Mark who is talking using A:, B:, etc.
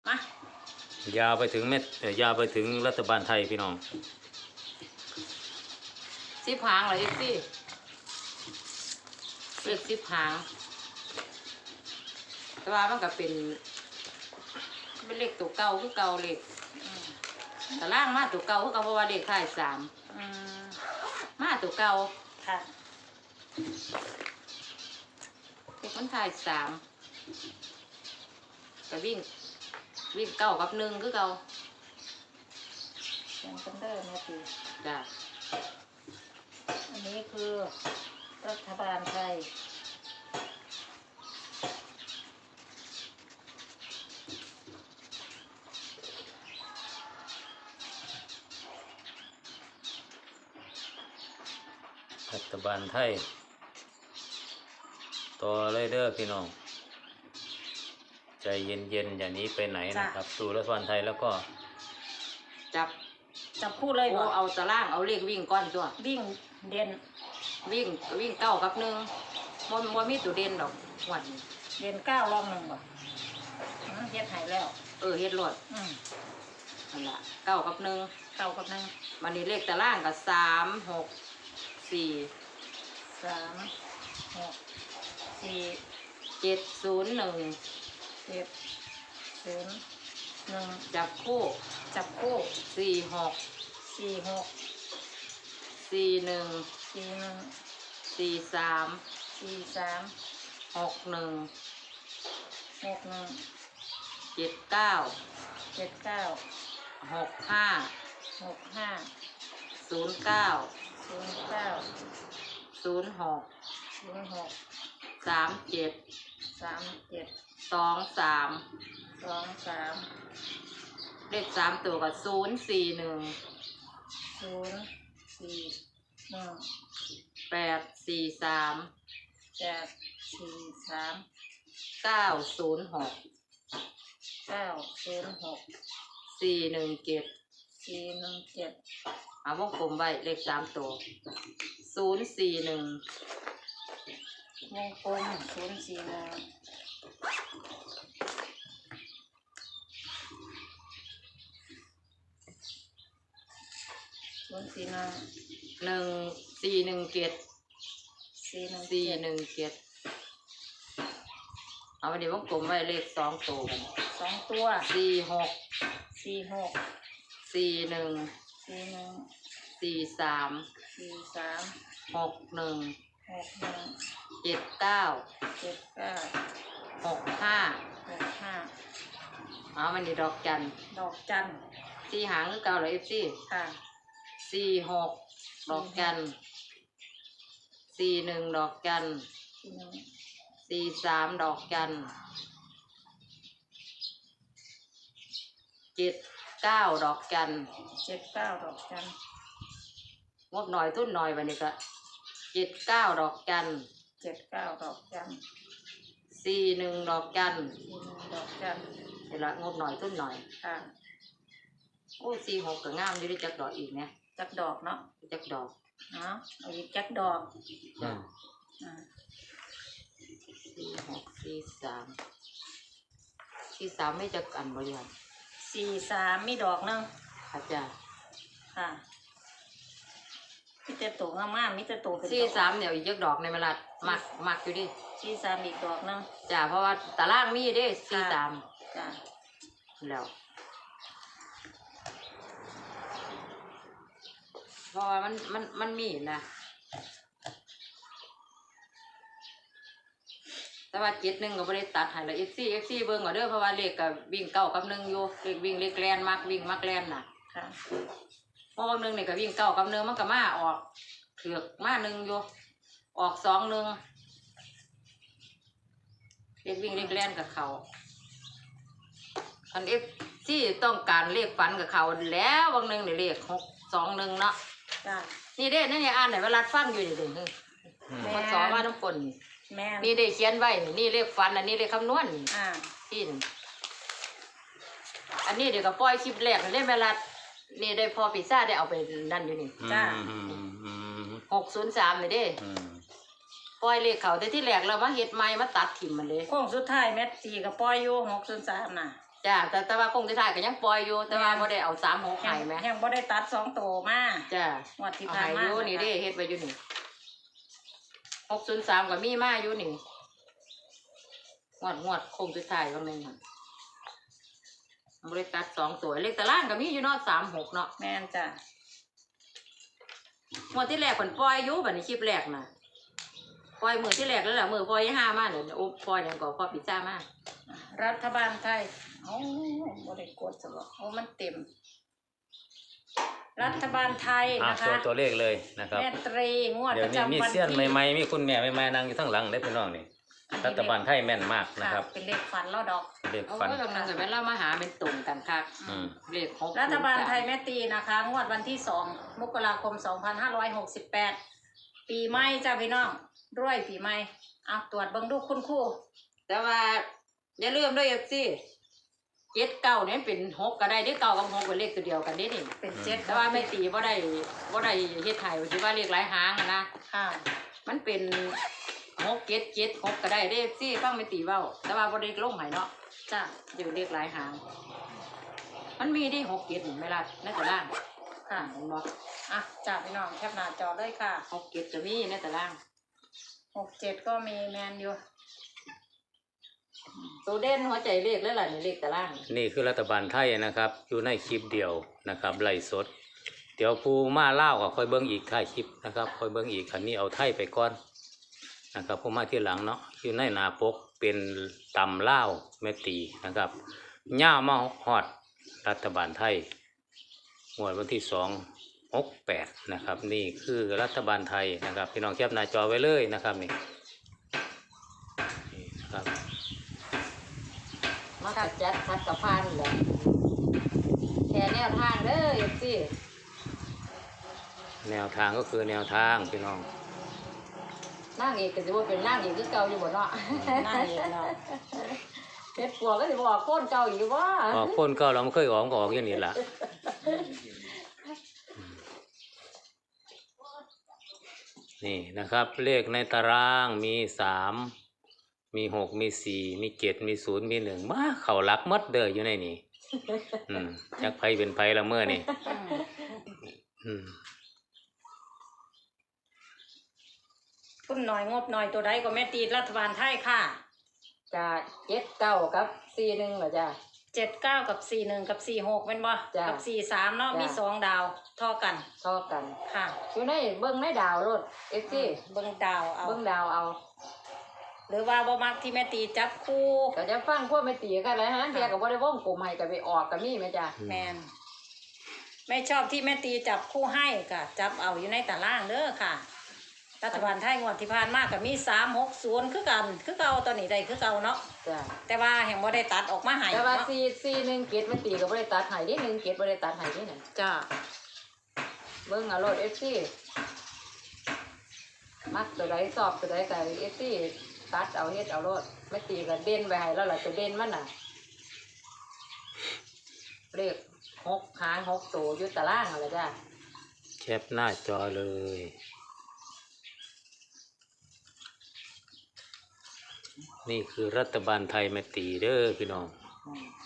A: มาย
B: าวไปถึงเม็ดยาวไปถึงรัฐบาลไทยพี่น้อง
A: 10 หางเหรอพี่เลข10 หางแต่ว่ามันก็เป็นเลขตัวเก่าคือเก่าเลขแต่ล่างมาตัวเก่าคือเก่าเพราะว่าเลขท้าย3มาตัวเก่าค่ะเลขมันท้าย3ก็วิ่งเก้ากับ1คือเก่า
C: ยังเป็นเดิมนะพี่
A: จ้ะ
C: อันนี้คือรัฐบาลไทย
B: รัฐบาลไทยต่อเลยเด้อพี่น้องใจเย็นๆอย่างนี้ไปไหนนะครับสู่รัฐบาลไทยแล้วก็
C: จับคู่เลยบ่
A: เอาตารางเอาเลขวิ่งก้อนตัว
C: วิ่งเด่น
A: วิ่งเก้ากับ1บ่มีตัวเด่นดอกวัน
C: เด่น9รอง1บ่เฮ็ดให้แล้ว
A: เฮ็ดรถนั่นล่ะเก้ากับ
C: 1
A: มันนี่เลขตารางก็3 6 4
C: 3 6 4
A: 7 0 1
C: 7 0 1
A: จับคู่4 6
C: 4 6
A: 4 1
C: 4 1
A: 4 3
C: 4 3
A: 6 1
C: 6 1
A: 7 9
C: 7 9
A: 6 5
C: 6 5
A: 0 9
C: 0 9
A: 0 6
C: 0 6
A: 3 7
C: 3 7
A: 2 3
C: 2 3
A: เลข3ตัวก็0 4 1
C: 0 4 1
A: 8 4 3
C: 8 4 3
A: 9 0 6
C: 9 0 6
A: 4 1 7
C: 4 1 7
A: เอาวงกลมไว้เลข3ตัว0 4 1
C: วงกลม0 4 1 0 4 1
A: 1 4 1 7
C: 4
A: 4 1 7เอาไปเดี๋ยววงกลมไว้เลข2ตัวกัน
C: 2ตัว
A: 4 6
C: 4 6
A: 4 1
C: 4 1
A: 4 3
C: 4 3
A: 6 1
C: 6 1
A: 7 9
C: 7 9
A: 6 5
C: 6 5
A: เอามันนี่ดอกจัน
C: ดอกจัน
A: 4 หางคือเก่าเลยFC
C: ค่ะ
A: 4 6ดอกจัน4 1ดอกจัน4 3ดอกจัน7 9ดอกจัน
C: 7 9ดอกจัน
A: งบหน่อยทุนหน่อยวันนี้ก็7 9ดอกจัน
C: 7 9ดอกจัน
A: 4 1ดอกจัน
C: 4 1ดอกจัน
A: เดี๋ยวละงบหน่อยทุนหน่อย
C: ค่ะ
A: โอ้4 6ก็งามอยู่ได้จักดอกอีกนะ
C: จักดอกเนาะ
A: จักดอก
C: เนาะเอาอีกจักดอก
A: 4 6 4 3 4 3ไม่จักอันบริหาร
C: 4 3มีดอกนึง
A: อาจารย์
C: ค่ะมีแต่ตัวงามๆมีแต่ตัวเป็น
A: 4 3เดี๋ยวอีกจักดอกในเวลามักอยู่ดิ
C: 4 3อีกดอกนึง
A: จ้ะเพราะว่าตารางมีเด้4 3
C: จ้ะ
A: แล้วเพราะว่ามันมีนะแต่ว่า7 1ก็บ่ได้ตัดให้ละ FC เบิ่งเอาเด้อเพราะว่าเลขก็วิ่ง9กับ1อยู่เลขวิ่งเลขแล่นวิ่งมักแล่นน่ะ
C: ค่ะ
A: เพราะว่า1นี่ก็วิ่ง9กับ1มันก็มาออกเถือกมา1อยู่ออก2 1เลขวิ่งเลขแล่นกับเขาอัน FC ต้องการเลขฝันกับเขาแล้วบางนึงนี่เลข6 2 1เนาะ
C: จ้ะ
A: นี่เด้นั่นนี่อ่านไหนเวลาฟังอยู่นี่เด้พอสอนว่าน้ำฝนนี่ได้เขียนไว้นี่เลขฟันอันนี้เลขคำนวณที่อันนี้เดี๋ยวก็ปล่อยคลิปแรกเล่นเวลานี่ได้พอพิซซ่าได้เอาไปนั่นอยู่นี่
C: จ้า
A: 603นี่เด้ปล่อยเลขเขาแต่ที่แรกเรามาเฮ็ดใหม่มาตัดถิ่มมันเลย
C: โค้งสุดท้ายแมตตีกับปล่อยอยู่603น่ะ
A: จ้าแต่ว่าคงจะถ่ายก็ยังปล่อยอยู่แต่ว่าบ่ได้เอา36ให้แหม
C: ยังบ่ได้ตัด2ตัวมา
A: จ้าง
C: วดที่
A: เอา
C: ผ่าน
A: ให้
C: มา
A: อยู่นี่เด้เฮ็ดไว้อยู่นี่603ก็มีมาอยู่นี่งวดคงจะถ่ายว่าแม่นบ่ได้ตัด2ตัวเลขตารางก็มีอยู่เนาะ36เนาะ
C: แม่นจ้ะ
A: งวดที่แรกเพิ่นปล่อยอยู่บัดนี้คลิปแรกน่ะปล่อยมื้อที่แรกแล้วล่ะมื้อปล่อย5มาเนี่ยโอ้ปล่อยหยังก็พอปิดซ่ามา
C: รัฐบาลไทยโอ้บ่ได้กดซะบ่โอ้มันเต็ม รัฐบาลไทย
B: อ่ะ
C: นะคะ
B: ตัวเลขเลยนะครับ
C: แม่ตรีงวด
B: เดี๋
C: ป
B: ยว
C: ระ
B: นี้มี
C: จำวัน
B: เสี้ยน
C: ที่
B: ใหม่ๆมีคุณแม่ใหม่ๆนั่งอยู่ทั้งหลังได้อพี่น้องนี่รัฐบาลไทยแม่นมากนะครับ
C: เป็นเลขฝันเราดอก
B: เลข
A: เอา
B: ฟัน
A: ไว้บางนึงก็แม่นเรามาหาเป็นตุ่มกันคัก
B: อืม
A: เลข6
C: รัฐบาลไทยแม่ตีนะคะ งวดวันที่2 มกราคม 2568 ปีใหม่จ้าพี่น้องรวยปีใหม่เอาตรวจเบิ่งดูคุณครู
A: แต่ว่าอย่าลืมด้วย FC 7 9เนี่ยเป็น6ก็ได้เด้อ9กับ6เป็นเลขตัวเดียวกันเด้นี่
C: เป็นเจ็ด
A: แต่ว่าไม่ตีบ่ได้เฮ็ดให้ว่าสิว่าเลขหลายหางอะนะ
C: ค่ะ
A: มันเป็น6 7 7 6ก็ได้เด้ FC ฟังไม่ตีเว้าแต่ว่าบ่ได้ลงให้เนาะ
C: จ้า
A: อยู่เลขหลายหาง มันมีที่6 7นี่แม่ล่ะในตาราง
C: ค่ะ
A: เห็นบ่
C: อ่ะจ้าพี่น้องแคปหน้าจอเลยค่ะ
A: 6 7ก็มีในตาราง
C: 67 ก็มีแมนอยู่
A: ตัวเด่นหัวใจเลขแล้วล่ะนี่เลขตาราง
B: นี่คือรัฐบาลไทยนะครับ อยู่ในคลิปเดียวนะครับไล่สด เดี๋ยวผู้มาเล่าวก็ค่อยเบิ้งอีกท้ายคลิปนะครับค่อยเบิ้งอีกอันนี้เอาไทยไปก่อนนะครับผู้มาที่หลังเนาะอยู่ในหนาปกเป็นตำเล่าวแม่ตีนะครับย่ามาฮอดรัฐบาลไทยงวดวันที่2/68นะครับนี่คือรัฐบาลไทยนะครับพี่น้องแคปหน้าจอไว้เลยนะครับนี่นะครับ
A: มากัดจัดคัดกับพานแหละแค่แนวทางเด้อ FC
B: แนวทางก็คือแนวทางพี่น้อง
A: นางเอกก็สิบ่เป็นนางเอกคือเก่าอยู่บ่เนาะ
C: น่าเห็นเนาะ
A: เฮ็ดปัวก็สิบ่ออกโคนเก่าอีกบ่
B: ออกคนก็เราไม่เคยออกก็ออกอย่างนี้ละนี่นะครับ เลขในตารางมี3มี6มี4มี7มี0มี1มาเข้าหลักหมดเด้ออยู่ในนี้จักไผเป็นไผละเมื่อนี่อืม
C: คุณหน่อยงบหน่อยตัวใดก็แม่ตีรัฐบาลไทยค่ะ
A: จะ79กับ41เหรอจ้ะ
C: 79 กับ 41 กับ 46เป็นบ่
A: จ้ะ
C: กับ 43 เนาะ
A: จ้ะ
C: มี2 ดาวเท่ากัน
A: เท่ากัน
C: ค่ะ
A: อยู่ในเบิ่งในดาวรถ FC
C: เบิ่งดาวเอา
A: เบิ่งดาวเอา
C: หรือว่าบ่มักที่แม่ตีจับคู่
A: ก็จะฟังพวกแม่ตีกันแล้วฮะเดียวก็บ่ได้วงกลมให้ก็ไปออกก็มีแม่จ้ะ
C: แมนไม่ชอบที่แม่ตีจับคู่ให้ค่ะ จับเอาอยู่ในตารางเด้อค่ะ รัฐบาลไทยงวดที่ผ่านมาก็มี360คือกันคือเก่าตอนนี้ได้คือเก่าเนาะ
A: จ้ะ
C: แต่ว่าแห่งบ่ได้ตัดออกมาให้
A: แต่ว่า
C: เนาะ
A: 441เกตแม่ตีก็บ่ได้ตัดให้เด้1เกตบ่ได้ตัดให้เด้นั่น
C: จ้า
A: เบิ่งเอารถ FC มักตัวใดชอบตัวใดก็ FC ตัดเอาเฮ็ดเอารถแม่ตีก็เด่นไว้ให้แล้วล่ะตัวเด่นมันน่ะเลข6หาง6ตัวอยู่ตารางนั่นแหละจ้ะ
B: แคปหน้าจอเลย นี่คือรัฐบาลไทยแม่ตีเด้อพี่น้อง
A: อืม